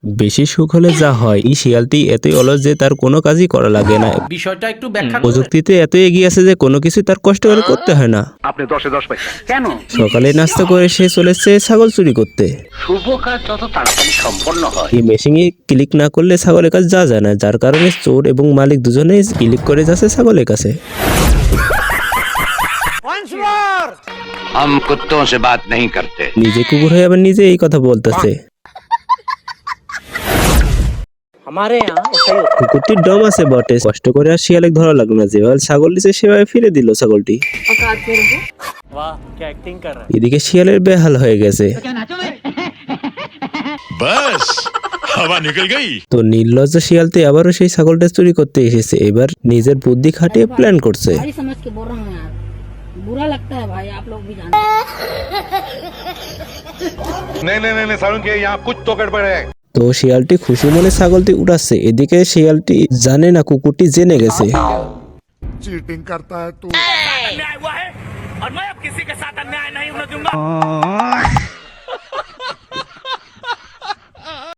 বেশি সুখ হলে যা হয়, এই শিয়ালটি এতই অলস যে তার কোনো কাজই করা লাগে না। বিষয়টা একটু ব্যাখ্যা করুন। প্রযুক্তিতে এত এগিয়ে আছে যে কোনো কিছু তার কষ্ট করে করতে হয় না। আপনি 10-এ 10 পাইছেন কেন? সকালে নাস্তা করে সে চলেছে ছাগল চুরি করতে। শুভ কাজ যত তাড়াতাড়ি সম্পন্ন হয় এই মেশিনে ক্লিক না করলে ছাগলের কাছে যাওয়া যায় না, যার কারণে চোর এবং মালিক দুজনেই ক্লিক করে যাচ্ছে ছাগলের কাছে। हम कुत्तों से बात नहीं करते। নিজে কুকুর হয়ে আবার নিজে এই কথা বলতেছে। কুকুরটির দম আছে বটে, কষ্ট করে আর শিয়ালে ধরা লাগলো না, যেভাবে ছাগল দিছে সেভাবে ফিরে দিল ছাগলটি। এদিকে শিয়ালের বেহাল হয়ে গেছে। बस हवा निकल गई। তো নির্লজ্জ শিয়ালটি আবারও সেই ছাগলটা চুরি করতে এসেছে। এবার নিজের বুদ্ধি খাটিয়ে প্ল্যান করছে। भाई समझ के बोल रहा हूँ यार, बुरा लगता है भाई, आप लोग भी जानते हैं। नहीं सारुण के यहाँ कुछ तो गड़बड़ है। তো শিয়ালটি খুশি মনে ছাগলটি উঠাচ্ছে। এদিকে শিয়ালটি জানে না কুকুরটি জেনে গেছে। चीटिंग करता है तू। अन्याय हुआ है और मैं अब किसी के साथ अन्याय नहीं होने दूंगा।